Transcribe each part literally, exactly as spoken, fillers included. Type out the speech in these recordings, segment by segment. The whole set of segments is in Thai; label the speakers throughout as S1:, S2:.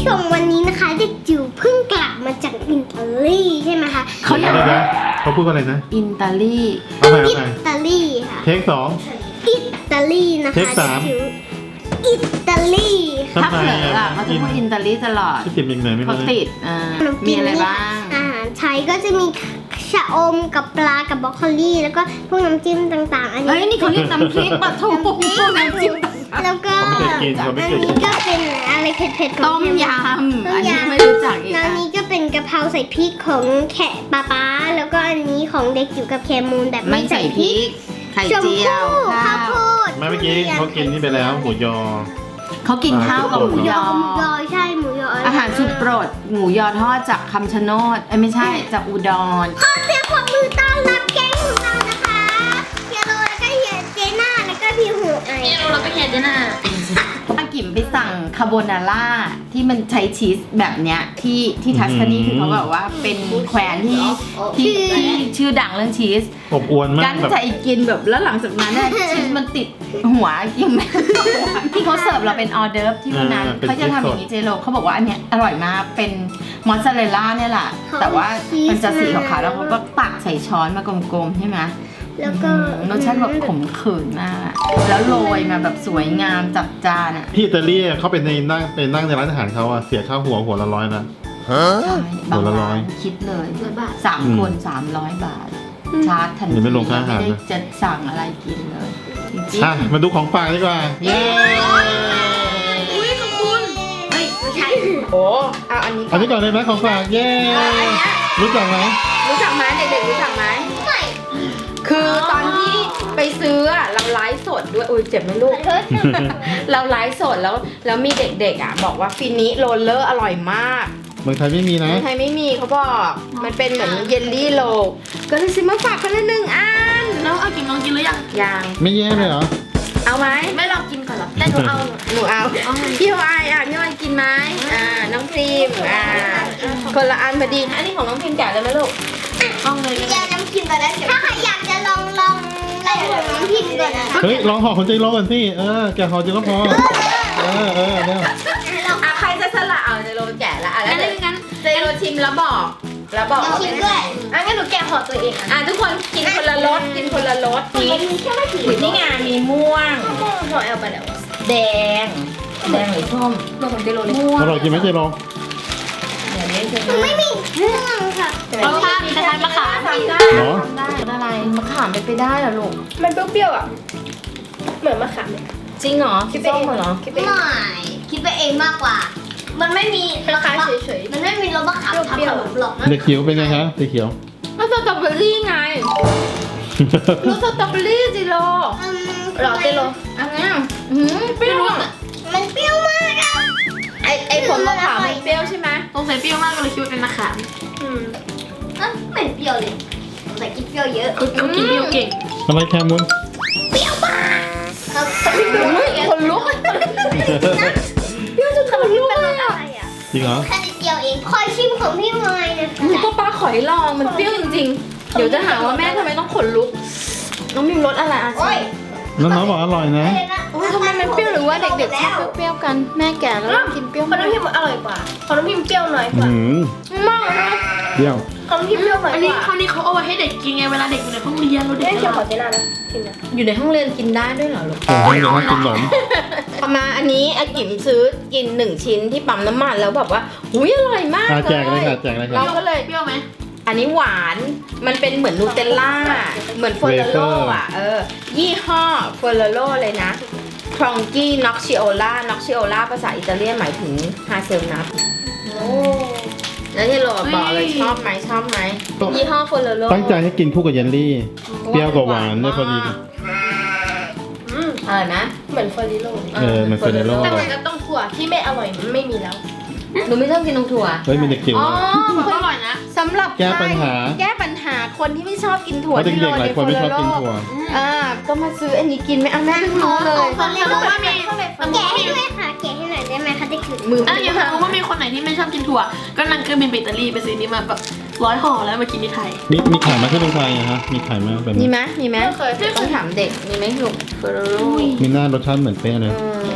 S1: ชมวันนี้นะคะเด็กจิ๋วเพิ่งกลับมาจากอิตาลีใช่ไหมคะ
S2: เขาอยาก
S3: เดี๋ยวๆเขาพูดว่าอะไรนะ
S2: อิตาลี
S3: เอาใหม่
S1: อิ
S3: เอาใหม่
S1: ตาลีค่ะ
S3: เทคสอง
S1: อิตาลีนะคะ
S3: เทคสาม
S1: เด็กจิ๋วอิตาลีค่ะ
S2: ถ้าเผลออ่ะเขาจะพูดอิตาลีตลอด
S3: ที่ติดยังไงไม่
S2: เขา
S3: รู้
S2: ติดอ่ามีอะไรบ้าง
S1: อาหารไทยก็จะมีชะอมกับปลากับบรอกโคลีแล้วก็พวกน้ำจิ้มต่างๆ อัน
S2: เฮ้ย
S1: นี้
S2: นี่เขาเรียกน้ำพริกปลาทูพวกน้ำจิ้ม
S1: แล้วก็
S3: เขาไม่เคยกินเขาไม่
S1: อัน
S3: เคยกิ
S1: นี้
S3: น
S1: ก็เป็นอะไรเผ็ดๆของ
S2: ต้มยำอันนี้ไม่รู้จักอีก
S1: แล้วอั
S2: อ่ะ
S1: นนี้ก็เป็นกะเพราใส่พริกของแขกป๊าป๊าแล้วก็อันนี้ของเด็กจิ๋วกับแคมูนแบบ
S2: ไม่ใส่พริก ไข่
S1: ชม
S2: เจีย
S1: พู่
S2: ว
S1: ข้าวโพด
S3: ไม่เมื่อกี้เขากินนี่ไปแล้วหมูยอ
S2: เขากินข้าวกับหมูยอ
S1: หมูยอใช่หมูยอ
S2: อาหารสุดโปรดหมูยอทอดจากคำชะโนดเอ้ยไม่ใช่จากอุดร
S1: ขอเสียงปรบมือต้อนรับแก๊งของเรานะคะเฮียโรแล้วก็เฮียเจน่าแล้วก็พี่หูไอ
S4: เฮียโรแล้วก็เฮียเจน่า
S2: ป้ากิมไปสั่งคาโบนาร่าที่มันใช้ชีสแบบเนี้ยที่ที่ทัสคานี
S3: อืม
S2: คือเขาแบบว่าเป็นแคว้นที่ที่ที่ชื่อดังเรื่องชีส
S3: อบอวนมา
S2: กั้
S3: ก
S2: น
S3: แบบ
S2: ใจกินแบบแล้วหลังจากนั้นเนี่ย ชีสมันติดหัวยังไม่ที่เขาเสิร์ฟเราเป็นออเดิร์ฟที่วันนั้นเขาจะทำอย่างนี้เจโรเขาบอกว่าอันเนี้ยอร่อยมากเป็นมอสซาเรลล่าเนี่ยแหละแต่ว่ามันจะสีขาวๆแล้วเขาก็ตักใส่ช้อนมากลมๆใช่ไหม
S1: แล้วก็
S2: รสชาติแบบขมขื่นมาก แล้วโรยมาแบบสวยงามจัดจานอ่ะ
S3: ที่อิตาลีเขาเป็นในนั่งเป็นนั่งในร้านอาหารเขาอะเสียค่าหัวหัวละร้อยนะ
S2: ใช่บาง
S3: หัวละร้
S2: ร้า
S3: อย
S2: นคิดเลย
S4: ร้อยบาท
S2: สาม
S3: อืม
S2: คนสามร้อยบาท ชาร์จทัน
S3: เดี๋
S2: ที
S3: ยวไม่ลงค่าอาหารนะ
S2: ไม่ได้จะสั่งอะไรกินเลยจริง
S3: อ่ะมาดูของฝากดีกว่า
S2: ๆเย้
S4: อุ้ยขอบคุณเฮ้ยไม่ใช่
S2: โอ้เอาอันนี้
S3: อันนี้ก่อนเลยไหมของฝากเย้รู้จักไหม
S2: รู้จักไหมเด็กๆรู้จักไหม
S1: ไม่
S2: คือตอนที่ไปซื้ออะเราไลฟ์สดด้วยอุ้ยเจ็บไหมลูก เราไลฟ์สดแล้วแล้วมีเด็กๆอ่ะบอกว่าฟินิโรลเลอร์อร่อยมาก
S3: เมืองไทยไม่มีนะ
S2: เมืองไทยไม่มีเขาบอก มันเป็นเหมือนเยลลี่โลก็เลยซื้อมาฝากคนละหนึ่งอัน
S4: น้องเอากินลองกินหรือยัง
S2: ยัง
S3: ไม่แย่เลยเหรอ
S2: เอาไหม
S4: ไม่ลองกินก่อนหรอแต่หนูเอา
S2: หนูเอาพี่วายอ่ะพี่วายกินไหมอ่าน้องพรีมอ่าคนละอันพอดีอันนี้ของน้องพรีมแกะเลยไหมลูก
S4: ต้องเลยก็
S1: เดี๋
S4: ได้
S1: ยวน้ำพิมพ์ก่อนนะถ้าใครอยากจะลองลองลองของน้ำพิมพ์ก่อนนะคะ
S3: เฮ้ยลองห่อคนใจร้อนก่อนสิเออแกะห่อใจร้อนพอเออเออเดี๋ยว
S2: อ่ะใครจะสละเอาเจโรแกะละอ่ะแล้
S4: งั้
S2: วน
S4: งั้น
S2: เจโรชิมแล้วบอกแล้วบอก
S1: ชิมด้วย
S4: อ่ะงั้นหนูแกะห่อตัวเองอ่ะ
S2: อ่ะทุกคนกินคนละรสกินคนละรส
S1: มี
S2: นี่
S1: แค่ไม่กี่
S2: นี่ไงมีม่วง
S4: ห่อแอลไปแล้ว
S2: แดงแดงหรือส้ม
S4: ตัวของเจโรเลย
S2: ม่วง
S3: อร่อยจริงไหมใจร้อน
S2: เดี๋ยวนี้จะ
S1: ไม่มีม่วงค่ะ
S4: รสชาติคล้ายๆมะขาม
S2: ทำได้
S3: เหรอ
S2: ทำได้อะไรมะขามเป็นไปได้เหรอลูก
S4: มันเปรี้ยวๆอ่ะเหมือนมะขามเลย
S2: จริงเหรอคิดส้มเหรอ
S4: คิดไป
S1: ไม่คิดไปเองมากกว่า มันไม่มี
S4: คล้ายๆเฉย
S1: มันไม่มีรสมะขามทำขนมหรอกนะ
S3: เด็กเขียวเป็นไงคะเด็กเขียว
S2: มันสตรอเบอรี่ไงรสสตรอเบอรี่จิโร่
S1: อืม
S4: ๆหรอเจโร
S2: อันเนี้ยหืมเปรี้ยวอะ
S1: มันเปรี้ยวมากอะ
S2: ไอไอผลมะขามมันเปรี้ยวใช่ไหม
S4: สงสัยเปรี้ยวมากก็เลยคิดว่าเป็นมะขาม
S1: อืมอ่ะไม่เปรี้ยวเลยแต่กินเปรี้ยวเยอะ
S4: เขาเขากินเปรี้ยวเก่ง
S3: อะไรแคมุน
S1: ครับ
S2: คนลุก
S1: เปรี้ยวจนขนมเป็นรสอะไรอ่ะ
S3: จริงเหรอ
S1: แค่นิดเดียวเองคอยชิมของพี่มายนะคะ
S2: หนูก็ป้าขอยลองมันเปรี้ยวจริงๆ เดี๋ยวจะหาว่าแม่ทำไมต้องขนลุก น้องมิมรสอะไรอ่ะ
S1: โอ้ย
S3: น้องๆบอกอร่อยนะ
S2: โอ้ยทำไมมันเปรี้ยวหรือว่าเด็กๆชอบเปรี้ยวๆกัน แม่แก่แล้วกินเปรี้ยว
S4: ขนมพิมพ์อร่อยกว่าขนมพิมพ์เปรี้ยวน้อยกว่า
S3: หืม
S2: มากเลยนะ
S3: เดี๋ยว
S4: ขนมพิมพ์เปรี้ยวน้อยกว่าอันนี้คราวนี้เขาเอาไว้ให้เด็กกินไงเวลาเด็กอยู่ในห้องเรียนเราเด็ก
S1: เดี๋ยวขอเจน่านะกินนะ
S2: อยู่ในห้องเรียนกินได้ด้วยเหรอลูก
S3: ผมให้เดี๋ยวให้กินขนม
S2: เอามาอันนี้อากิมซื้อกินหนึ่งชิ้นที่ปั๊มน้ำมันแล้วแบบว่าหุยอร่อยมาก
S3: อ่ะ
S2: เล
S3: แจกเลย
S2: ย
S3: ค่ะแจกเลยค่ะ
S2: เราก็เลย
S4: เปรี้ยวไหม
S2: อันนี้หวาน มันเป็นเหมือนนูเทลล่า เหมือนเฟอร์โลอ่ะ เออ ยี่ห้อเฟอร์โลเลยนะครองกี้น็อกชิโอล่าน็อกชิโอล่าภาษาอิตาเลียนหมายถึงฮาเซลนัท
S1: โอ้
S2: แล้วที่โรบอกเลยชอบไหมชอบไหมยี่ห้อเฟอร์โล
S3: ตั้งใจให้กินคู่กับเยลลี่ เปรี้ยวกับหวานด้วยพอดี
S4: อืม
S2: อร่อยไหม
S4: เหมือนเฟอร์ริโลเลย
S3: เออเหมือน Ferrero
S4: แต่เหมือนกับต้องถั่วที่ไม่อร่อยไม่มีแล้ว
S2: หนูไม่ชอบกินนมถั่ว
S3: เฮ้ยมีเด็กจิ๋ว
S2: อ๋อ
S3: นะ
S4: มันก็อร่อยนะ
S2: สำหรับ
S3: แก้ปัญหา
S2: แก้ปัญหาคนที่ไม่ชอบกินถั่ว
S3: เพราะเด็กๆหลายคนไม่ชอบกินถั่ว
S2: อ่าก็มาซื้ออันนี้กินไหมอ่ะแม่เพิ่งรู้เลย
S4: สมมติว่ามีสมม
S1: แกะ
S4: ติ
S1: ให้
S4: มี
S1: ด้วยค่ะแกะให้หน่อยได้ไหมคะเด็กจิ๋ว
S2: มือ
S4: อ่ะอย่างสมมติว่ามีคนไหนที่ไม่ชอบกินถั่ว ก็นั่งเครื่องบินไปอิตาลีไปซื้อนี้มาแบบร้อยห่อแล้วมากินที่ไทย
S3: มีมีขายมาที่เมืองไทยอะฮะมีขายมาแบบ
S2: มี
S3: นี้
S2: ไหมมีไหม
S4: ไม่เคย
S2: ต้องถามเด็กมีไหมลูกเฟอร์โร
S3: มีหน้ารสชาติเหมือนเป๊ะเลย
S2: อืม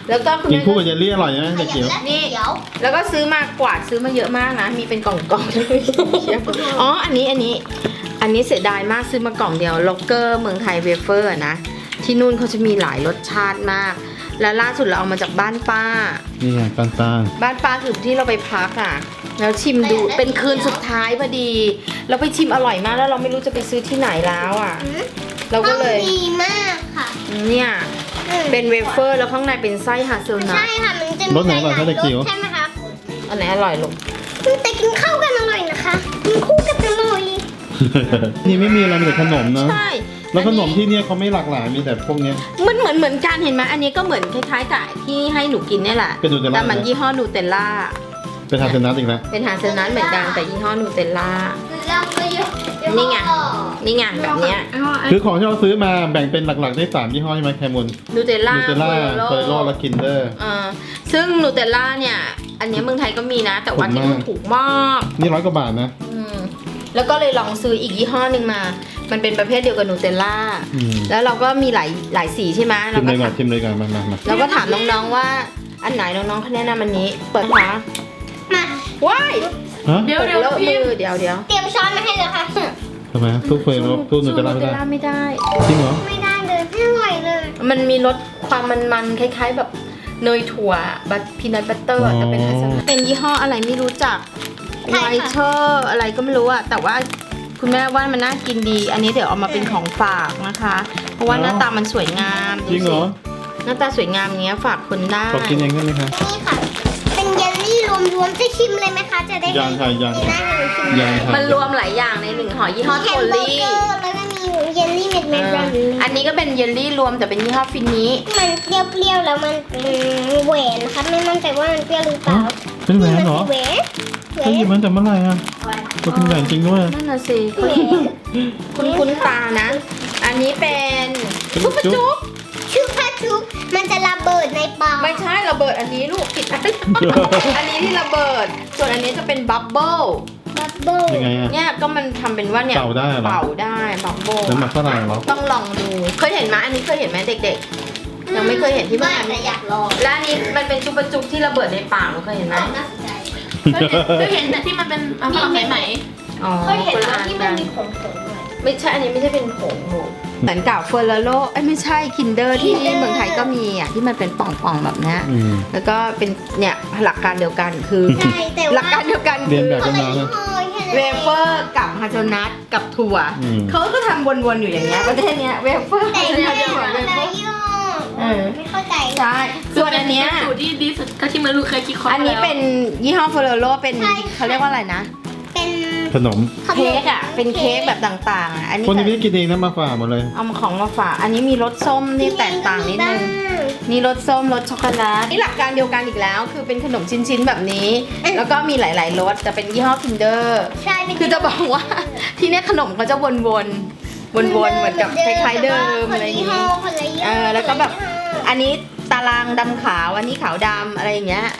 S2: แล้วก็คุณ
S3: กิน
S2: แม่
S3: คู่กับเยลลี่อร่อยนะเด็กจิ๋ว
S2: นี่
S1: เดี๋ยว
S2: แล้วก็ซื้อมากวาดซื้อมาเยอะมากนะ มีเป็นกล่องๆเลยอ๋อ อันนี้อันนี้ อันนี้เสียดายมากซื้อมากล่องเดียวล็อกเกอร์เมืองไทยเวเฟอร์นะ ที่นู่นเขาจะมีหลายรสชาติมาก แล้วล่าสุดเราเอามาจากบ้านป้า
S3: นี่ไงตาลตาล
S2: บ้านป้าคือที่เราไปพักอ่ะ แล้วชิมดูเป็นคืนสุดท้ายพอดี เราไปชิมอร่อยมากแล้วเราไม่รู้จะไปซื้อที่ไหนแล้วอ่ะ เราก็เลย
S1: ดีมากค่ะ
S2: เนี่ย เป็นเวเฟอร์แล้วข้างในเป็นไส้ฮาเซลนั
S1: ใช่
S2: ท
S1: ค่ะมันจะ
S3: รสไหนอร่อยคะเด็กจิ๋ว
S1: ใช่ไหมครับ
S2: อันไหนอร่อยลูก
S1: แต่กินข้าวกันอร่อยนะคะกินคู่กันอร่อย
S3: นี่ไม่มีอะไรมีแต่ขนมนะ
S2: ใช่
S3: แล้วขนมที่เนี่ยเขาไม่หลากหลายมีแต่พวกเนี้ย
S2: มันเหมือนเหมือนกันเห็นไหมอันนี้ก็เหมือนคล้ายๆกับที่ให้หนูกินเนี่ยแหละ
S3: เป็นนูเทลล่า
S2: แต่มันยี่ห้อนูเทลล่า
S3: เป็นทาเซนัทอีกแล้ว
S2: เป็นฮาเซลนัทเหมือนกันแต่ยี่ห้อนูเทลล่า
S1: แล้วก็เยอะ
S2: นี่ไง นี่ไงแบบเนี้ย
S3: คือของที่เราซื้อมาแบ่งเป็นหลักๆได้สามยี่ห้อใช่ไหมแคมุน
S2: นูเทลล่า
S3: นูเทลล่าโคเรโลและคินเดอร์
S2: เออซึ่งนูเทลล่าเนี่ย อันเนี้ยเมืองไทยก็มีนะ แต่ว่าที่นู่นถูกมาก
S3: นี่ร้อยกว่าบาทนะ
S2: อืมแล้วก็เลยลองซื้ออีกยี่ห้อหนึ่งมา มันเป็นประเภทเดียวกับนูเทลล่า
S3: อืม
S2: แล้วเราก็มีหลายหลายสีใช่ไหม
S3: ชิ
S2: เรา
S3: มเล
S2: ก็
S3: ยก่อ
S2: ถาน ม
S3: ชิมเลยก่อนมามามา
S2: เราก็ถามน้องๆว่าอันไหนน้องๆเขาแนะนำอันนี้ เปิดนะคะ
S1: มา
S2: ว้าย
S3: ฮะ
S4: เดี๋ยวเดี๋ยว
S2: เลอะ
S4: พิ
S2: มื
S4: มพ์
S2: อเดี๋ยวเดี๋ยว
S1: เตรียมช้อนมาให้เลยค่ะ
S3: ทำไมทุกเฟรนทุกนูเทลล่าไม่ได้
S2: ไม่ได้
S3: จริงเหรอ
S1: ไม่ได้เลยไม่อร่อยเลย
S2: มันมีรสความมันๆคล้ายๆ แบบเนยถั่วบัตพีนัทบัตเตอร์แต่เป็นฮัสซันเป็นยี่ห้ออะไรไม่รู้จัก
S1: ใช่
S2: ไว
S1: ค่ะ
S2: เชอร์อะไรก็ไม่รู้อะแต่ว่าคุณแม่ว่ามันน่ากินดี อันนี้เดี๋ยวเอามาเป็นของฝากนะคะ เพราะว่าหน้าตามันสวยงาม
S3: จริงเหรอ
S2: หน้าตาสวยงามอย่างเงี้ยฝากคนได้
S3: ขอกินเองได้ไหมคะ
S1: นี่ค่ะ เป็นเยลลี่รวมๆจะชิมเลยไหมคะ จะได้
S3: ยังค่ะยัง
S1: มีหน้าให้หนูชิม
S3: ยังค่ะ
S2: มันรวมหลายอย่างในหนึ่งห่อยี่ห้อ
S1: มี
S2: โท
S1: แฮมเบอ
S2: ลี่
S1: ร์เกอร์แล้วก็มีเยลลี่เม็ด
S2: เอ
S1: เม็ด
S2: อ
S1: แบบนี้
S2: อันนี้ก็เป็นเยลลี่รวมแต่เป็นยี่ห้อฟินนี้
S1: มันเปรี้ยวๆแล้วมันอืมแหวนนะคะไม่มั่นใจว่ามันเปรี้ยวหรือเปล่า
S3: เป็นแหวนเหรอ
S1: แหวนแหว
S3: เขาหยิบ
S1: น
S3: มันจากเมื่อไหร่อ่ะก็เป็นแหวนจริงด้วย
S2: นั่นน่ะสิ
S1: แหวน
S2: คุณคุ้นๆตานะ อันนี้เป็น
S3: จุ๊
S2: ชุ
S3: บบ จุ๊บ
S2: จุ๊บ
S1: ชุบพะชุบมันจะระเบิดในปาก
S2: ไม่ใช่ระเบิดอันนี้ลูกผิดอัน อันนี้ที่ระเบิด ส่วนอันนี้จะเป็นบับเบิ้ล
S1: บับเบิ้ล
S3: ยังไงอ่ะ
S2: เนี่ยก็มันทำเป็นว่าเนี่ย
S3: เป่าได้เหรอ
S2: เป่าได้บับเบิ้ล
S3: น้ำหมักฝรั่งเหรอ
S2: ต้องลองดู เคยเห็นไหมอันนี้เคยเห็นไหมเด็กๆ ยังไม่เคยเห็นที่
S1: ไม่
S2: บ้าน
S1: แต่อยากลอง
S2: และอันนี้มันเป็นชุบปะจุกที่ระเบิดในปากหนูเคยเห็นไหม
S1: น่าสนใจ
S4: เคยเห็นแต่ที่มันเป็นอ่ะฝรั่งไหม
S2: อ๋อ
S1: เคยเห็น
S2: คนละ
S1: แล้ว
S2: อัน
S1: ที่มั
S2: กัน น
S1: มีผงผงๆด้วย
S2: ไม่ใช่ อันนี้ไม่ใช่เป็นผงหนูเหมือนกับเฟอร์ราโลเอ้ยไม่ใช่คินเดอร์ที่
S1: Kinder
S2: เมืองไทยก็มีอ่ะที่มันเป็นป่องๆแบบเนี้ย
S3: อืม
S2: แล้วก็เป็นเนี่ยหลักการเดียวกันคือ
S1: ใช่แต่ว่า
S2: หลักการเดียวกัน
S3: เรียนแบบ
S1: ค
S3: กัน น
S1: ละ
S3: มา
S1: ยี่
S3: นะ
S1: ห้อแค่นั้น
S2: เว
S1: เอง
S2: เฟอร์กับฮาเซลนัทกับถั่ว
S3: อืม
S2: เขาก็ทำวนๆอยู่อย่างเงี้ยประเทศเนี้ยเวเฟอร์
S1: แต่
S2: ฮาเซล
S1: ไม่
S2: นัท
S1: ได้
S2: ถั่ว
S1: ค
S2: เวน เฟ
S1: ละ
S2: อร์
S1: ยี่ห้อ
S2: เออ
S1: ไม่เข้าใจ
S2: ใช่ส่วนอันเนี้ย
S4: สูตรที่ดีสุดก็ที่มารู้เคยคิดค้น
S2: อันนี้
S4: แล้ว
S2: เป็นยี่ห้อเฟอร์ราโลเป็น
S1: ใช่
S2: เขาเรียกว่าอะไรนะ
S1: เป็น
S3: ขนม
S1: ขนม
S2: เค้กอ่ะเป็นเค้กแบบต่างๆอ่ะอันนี้
S3: คนนี้ไม่ได้กินเองนะมาฝากหมดเลย
S2: เอามาของมาฝากอันนี้มีรสส้มที่แตกต่างนิดนึง นี่รสส้มรสช็อกโกแลตนี่หลักการเดียวกันอีกแล้ว คือเป็นขนมชิ้นๆแบบนี้ แล้วก็มีหลายๆรสจะเป็นยี่ห้อ Kinder
S1: ใช่เป็น
S2: คือจะบอกว่า ที่เนี่ยขนมเขาจะวนๆวนๆเหมือนกับคล้ายๆเดิมอะไรอย่าง
S1: นี้
S2: นี้
S1: คนละยี่ห้
S2: เออแล้วก็แบบ อันนี้ตารางดำขาวอันนี้ขาวดำอะไรอย่างเงี้ย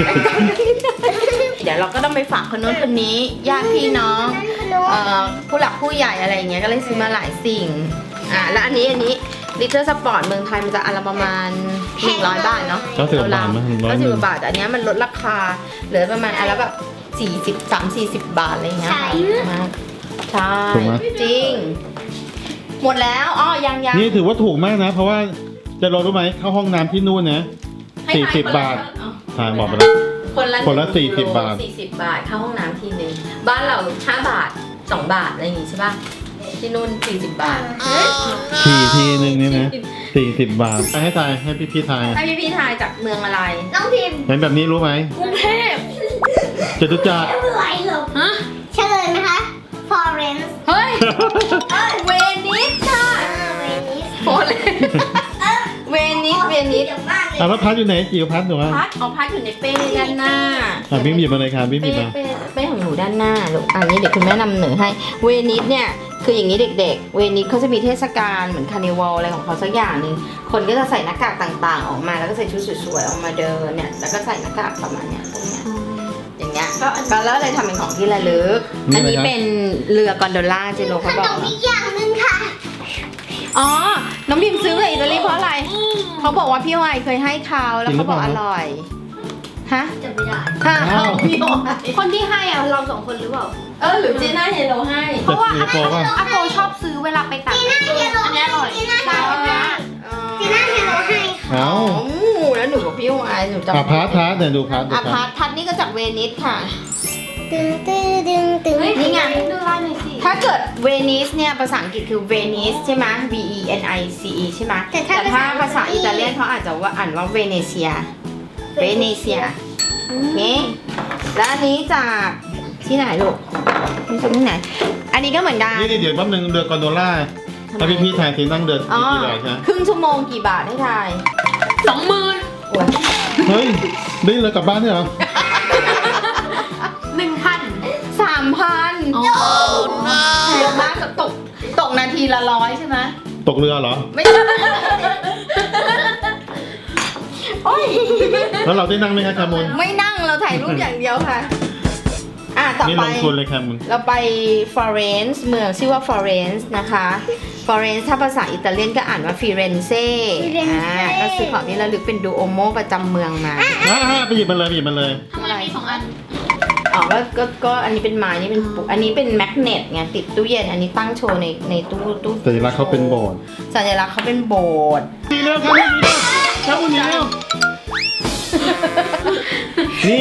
S2: เดี๋ยวเราก็ต้องไปฝากคนโน้นคนนี้ญาติพี่น้องเอ่อผู้หลักผู้ใหญ่อะไรอย่างเงี้ยก็เลยซื้อมาหลายสิ่งอ่ะแล้วอันนี้อันนี้ลิตเติ้ลสปอร์ตเมืองไทยมันจะอันละประมาณหนึ่งร้อยบาทเนาะ
S3: เก้าสิบบาทมั้ยร้อย
S2: เก้า
S3: ห
S2: สิ
S3: นึ่
S2: บ
S3: ง
S2: บาทแต่อันเนี้ยมันลดราคาเหลือประมาณอันละแบบสี่สิบสามสี่สิบบาทอะไรอย่างเงี้ยค่ะใช่
S3: ถูกไหม
S2: จริง หมดแล้วอ๋อยังยัง
S3: นี่ถือว่าถูกมากนะ เพราะว่าจะรอรู้ไหมเข้าห้องน้ำที่นู่นนะ
S2: ให้
S3: สี่
S2: ทย
S3: สิบ
S2: คนละ
S3: บาท
S2: อ๋อ
S3: ทายบอกไปแล้ว
S2: คนละ
S3: คนละ
S2: หง
S3: สี่สิบบาท
S2: สี่สิบบาทเข้าห้องน้ำทีนึงบ้านเราห้าบาทสองบาทอะไรอย่างงี้ใช่ป่ะที่นู่นสี่สิบบาท
S3: ฉี่ทีนึงเนี่ยนะสี่สิบบาทให้ทายให้พี่พี่ๆทาย
S2: ให้พี่พี่ทายจากเมืองอะไร
S1: น้องพิมพ์
S3: เห็นแบบนี้รู้ไหม
S4: กรุงเทพ
S3: จตุจักร
S1: เฉลยเหรอ
S4: ฮะ
S1: เฉลยไหมคะ Florence
S2: เฮ้ย เวนิสค่ะ
S1: อ่าเวนิส
S2: โอเลเวนิสเวนิส
S1: เดี๋ยวมากเลย
S3: อ่ะแล้วพัดอยู่ไหนจิ๋วพัดหนูอ่ะ
S2: พัดเอาพัดอยู่ในเป้ด้านหน้า
S3: อ่ะบิ๊มหยิบมาเลยค่ะบิ๊มหยิ
S2: เป้
S3: บมา
S2: เป้เป้ของหนูด้านหน้าลูกอันนี้เดี๋ยวคุณแม่นำเหนือให้เวนิสเนี่ยคืออย่างนี้เด็กๆ เวนิสเขาจะมีเทศกาลเหมือนคาร์นิวัลอะไรของเขาสักอย่างหนึ่งคนก็จะใส่หน้ากากต่างๆ ออกมาแล้วก็ใส่ชุดสวยๆออกมาเดินเนี่ยแล้วก็ใส่หน้ากากประมาณเนี้ยพวกเนี้ยอย่างเงี้ยก็ก็แล้วเลยทำเป็นของที่ระลึกอันนี้เป็นเรือกอนโดล่าเจโร
S1: ข
S2: เขาบ
S1: น
S2: อก
S1: ม
S2: มา
S1: อีกอย่างหนึ่งค่ะ
S2: อ๋อ น้องบิมซื้อมาอิตาลีเพราะอะไร
S4: อืม
S2: เขาบอกว่าพี่วายเคยให้เขาแล้วเขาบอกอร่อย ฮะ
S1: จะไม่ได้
S2: ฮะพี่วาย
S1: คนที่ให้อ่ะเราสองคนหรือเปล่า
S2: เออหรือเจน่าเฮโลให้
S3: เพราะว่าอาโกป่ะ
S1: อาโกชอบซื้อเวลาไปต่างประเทศอันนี้อร่อยจีน่าเฮโลให้จีน่าเฮโลให้
S3: เอ้า
S2: อ๋อแล้วหนูกับพี่วายหนูจำ
S3: อ่ะพาร์ทพาร์ทเนี่ยดูพาร์ทดู
S2: อ่ะ
S3: พา
S2: พั
S3: ร์
S2: ด
S3: ท
S2: พัดนี่ก็จากเวนิสค่ะ
S1: ตึงตึงตึงตึง
S2: นี่ไง
S1: ดูลายหน่อยสิ
S2: ถ้าเกิดเวนิสเนี่ยภาษาอังกฤษคือเวนิสใช่ไหม V E N I C E ใช่ไหม
S1: แต่ถ้า
S2: แต่ถ้าภาษาอิตาเลียนเขาอาจจะว่าอ่านว่าเวเนเซีย เวเนเซียโอเคแล้วอันนี้จากที่ไหนลูกนี่จากที่ไหน อันนี้ก็เหมือนกัน
S3: นี่เดี๋ยวแป๊บนึงเรือกอนโดล่าถ้าพี่พี่ๆถ่ายทีนั่งเดิน
S2: อ๋อ
S3: กี่บาทใช่ไหม
S2: ครึ่งชั่วโมงกี่บาทให้ทาย
S4: สองหมื่น
S2: โอ้ย
S3: เฮ้ยได้เลยกลับบ้านเนี่ยเหรอ
S4: หนึ่งพัน
S2: สามพัน
S4: โอ้
S2: แพงมากตกตกนาทีละร้อยใช่ไหม
S3: ตกเรือเหรอ
S2: ไม่ใช่โอ้ย
S3: แล้วเราได้นั่งไหมครับแคมุน
S2: ไม่นั่งเราถ่ายรูปอย่างเดียวค่ะ อ่ะต่อ
S3: นี่
S2: ไป
S3: ลงทุนเลยแคมุน
S2: เราไปฟลอเรนซ์เมืองชื่อว่าฟลอเรนซ์นะคะฟลอเรนซ์ถ้าภาษาอิตาเลียนก็อ่านว่าฟิเรนเซ่อ่าก็ซื้อของที่ระลึกเป็นดูโอโมประจำเมืองมา
S3: อ่าไปหยิบมาเลยไปหยิบมาเลย
S4: ทำไมมีสองอัน
S2: อ๋อก็ก็ก็อันนี้เป็นไม้นี่เป็นปุกอันนี้เป็นแมกเนตไงติดตู้เย็นอันนี้ตั้งโชว์ในในตู้ตู้
S3: สัญลักษณ์เขาเป็นโบสถ์
S2: สัญลักษณ์เขาเป็นโบสถ์
S3: นี่เร็วครับนี่เร็วครับคุณนี่เร็วนี่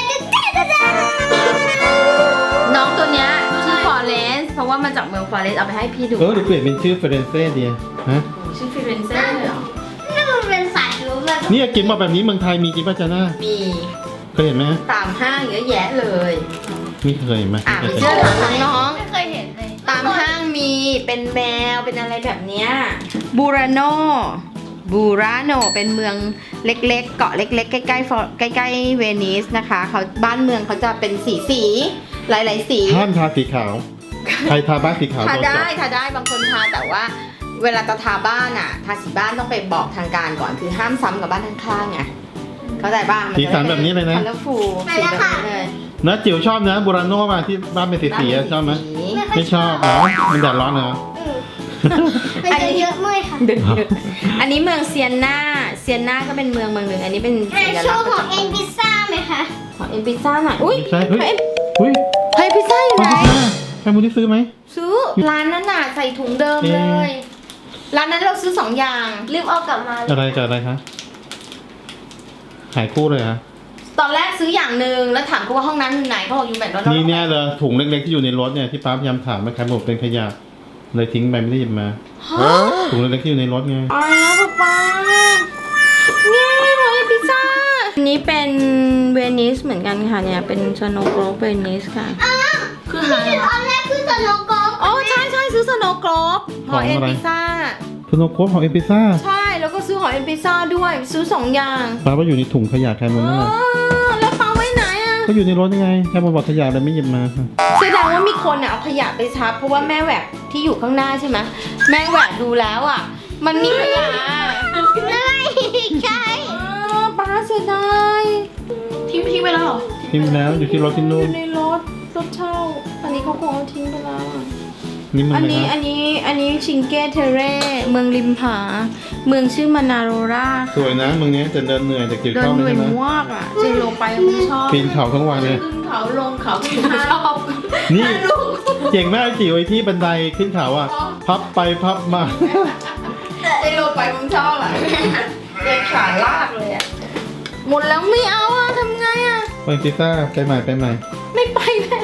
S2: น้องตัวเนี้ยชื่อฟลอเรนซ์เพราะว่ามาจากเมืองฟลอเรนซ์เอาไปให้พี่ดู
S3: เออเดี๋ยวเปลี่ยนเป็นชื่อเฟรนเซ่ดีฮะ
S2: ชื่อฟิเรนเซ่เลยเหรอ
S1: นี่มันเป็นสายรู้แบบ
S3: นี่กินมาแบบนี้เมืองไทยมีจริงป่ะจ๊ะน่า
S2: มี
S3: เคยเห็นไหม
S2: ตามห้างเยอะแยะเลย
S3: ไม่เคยเห็นไหม
S2: อ่ะ
S3: ไม่
S2: ไป
S3: เคย
S2: เชื่
S3: เห็
S2: อน ถามน้อง
S1: ไม่เคยเห็นเลย
S2: ตามห้างมีเป็นแมวเป็นอะไรแบบเนี้ยบูราโนบูราโนเป็นเมืองเล็กๆ เกาะเล็กๆ ใกล้ๆฟลอใกล้ๆเวนิสนะคะเขาบ้านเมืองเขาจะเป็นสีสีหลายๆสี
S3: ห้ามทาสีขาว ใครทาบ้านสีขาว
S2: ทา
S3: โดน
S2: ได้
S3: จับ
S2: ทาได้บางคนทาแต่ว่าเวลาจะทาบ้านอ่ะ ทาสีบ้านต้องไปบอกทางการก่อนคือห้ามซ้ำกับบ้านข้างๆไงเข้าใจบ้าง
S3: สีสันแบบนี้เลยนะ
S2: คัลเลอร์ฟูสีแบบนี้เลย
S3: นะจิ๋วชอบนะบูราโน่ป่ะที่บ้านเป็นสีๆอะชอบไหม
S2: สี
S3: ไม่ชอบอ๋อมันแดดร้อนเหรอ
S1: มันจะเยอะเมื่อยค่ะ
S2: เดือดๆอันนี้เมืองเซียนนาเซียนนาก็เป็นเมืองเมืองหนึ่งอันนี้เป็น
S1: แม่
S2: สัญ
S1: โช
S2: ลักษ
S1: ว์
S2: ณ์
S1: ของเอ็นพิซซ่าไหมคะ
S2: ของเอ็นพิซซ่าหน่อยอุ้ย
S3: ใช่เฮ้ย
S2: เฮ้ย
S3: อุ้ย
S2: เฮ้ยพิซซ่าอยู่
S3: มา
S2: ไหน
S3: พิซซ่าแคมูได้ซื้อไหม
S2: ซื้อร้านนั้นน่ะใส่ถุงเดิม
S3: เอ๊ะ
S2: เลยร้านนั้นเราซื้อสองอย่าง
S1: รีบเอากลับมา
S3: อะไรกับอะไรคะหายคู่เลยฮะ
S2: ตอนแรกซื้ออย่างหนึ่งแล้วถามเขาว่าห้องน้ำอยู่ไหนเขาบอกอยู่แมคโดนัลด์
S3: นี่เนี่ยเลยถุงเล็กๆที่อยู่ในรถเนี่ยที่ป้าพยายามถามว่าใครบอกเป็นขยะเลยทิ้งไปไม่ได้หยิบมา
S2: ฮะ
S3: ถุงเล็กๆที่อยู่ในรถไง
S2: อ๋อป๊าป๊าเนี่ยของเอ็นพิซซ่าอันนี้เป็นเวนิสเหมือนกันค่ะเนี่ยเป็นสโนว์โกลบเวนิสค่ะ
S4: คือหา
S1: ตอนแรกคือสโนว์โกล
S2: อ๋อใช่ใช่ซื้อสโนว์โกลบหอเอ็นพิซซ่า
S3: สโนว์โค้ดของเอ็มพิซซ่า
S2: ใช่แล้วก็ซื้อหอเอ็นพิซซ่าด้วยซื้อสองอย่าง
S3: ป้าว่าอยู่ในถุงขยะแคมูนั่นแหละ
S2: อ๋อแล้วปาไว้ไหนอ่ะ
S3: ก็อยู่ในรถยังไงแคมูบอกขยะเลยไม่หยิบมาค่ะ
S2: แสดงว่ามีคนอะเอาขยะไปทับเพราะว่าแม่แหวกที่อยู่ข้างหน้าใช่ไหมแม่แหวกดูแล้วอ่ะ มันมีขยะ
S1: ไม่ใช่
S2: อ๋อป้าเสียดาย
S4: ทิ้งทิ้งไปแล้วเหรอ
S3: ทิ้งไปแล้วอยู่ที่รถที่
S2: อ
S3: นู่น
S2: ยู่ในรถรถเช่า อันนี้เขาคงเอาทิ้งไปแล้วอะ
S3: นี่มัน
S2: อัน
S3: เลย
S2: นี้
S3: นะ
S2: อันนี้อันนี้ชิงเกเทเร่เมืองริมผา เมืองชื่อมานาโรรา
S3: สวยนะมึงเนี้ยจะเดินเหนื่อยแต่เกี่ยว
S2: เดิน
S3: ข้าว
S2: เห
S3: ไม่
S2: นื่อย
S3: ใช่ไหม
S2: มากอ่ะเจโลไปผมชอบ
S3: ปีนเขาทั้งวันเลย
S2: ขึ้นเขาลงเขาขึ้นเขาชอบ
S3: นี่เก่งมากจิ๋วไอ้ที่บันไดขึ้นเขาอ่ะ พับไปพับมา
S2: เจโลไปผมชอบอ่ะเดินขาลากเลยอ่ะหมดแล้วไม่เอาอ่ะทำไงอ่ะ
S3: ไปพิซซ่าไปใหม่ไปใหม่
S2: ไม่ไปแม่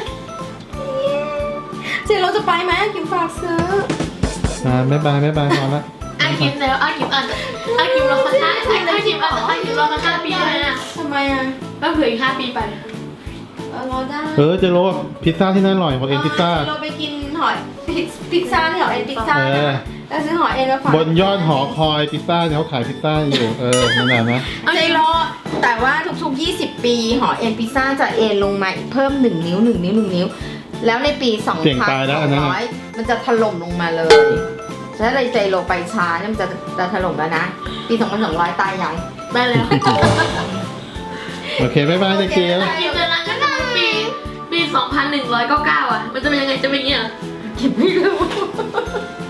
S2: เจโลจะไปไหมกิมฝากซื้อ
S3: อ่าบ๊ายบายบ๊ายบายพอละ
S4: อากิมแล้วอากิมอ่านอากิมรอสักห้าอากิมอ่านอากิมรอสักห้าปีเลยนะ
S2: ทำไมอ่ะ
S4: ก็เผื่ออีกห้าปีไป
S2: เออรอได้
S3: เออเจะรู้ว่าพิซซ่าที่นั่นอร่อยของเอ็นพิซซ่า
S2: เจโลไปกินหอยพิซซ่าที่หอเอ็นพิซซ่า
S3: เออ
S2: นะแล้วซื้อหอยเอ็นมาฝาก
S3: บนยอดหอคอยพิซซ่าเนี่ยเขาขายพิซซ่าอยู่เออนั่นแหละนะ
S2: เจโลแต่ว่าทุกๆยี่สิบปีหอเอ็นพิซซ่าจะเอ็นลงมาอีกเพิ่มหนึ่งนิ้วหนึ่งนิ้วหนึ่งนิ้ว แล้วในปีสอง
S3: เสี่ยง
S2: พัน
S3: ตายแล้ว
S2: ส
S3: อั
S2: อน ง
S3: นั้น
S2: ร้
S3: น่ะ
S2: อยมันจะถล่มลงมาเลยถ้าเลยเจโลไปช้าเนี่ยมันจะจะถล่มแล้วนะ ปีสองพันสองร้อยตายยัง
S4: ไปแล้ว
S3: โอเคบ๊ายบายตะเกียว
S4: อากิมจะรังกันถึงปีปีสองพันหนึ่งร้อยเก้าเก้าอ่ะ มันจะเป็นยังไงจะเป็นอย่างเงี้ย
S2: เก็บไม่รู้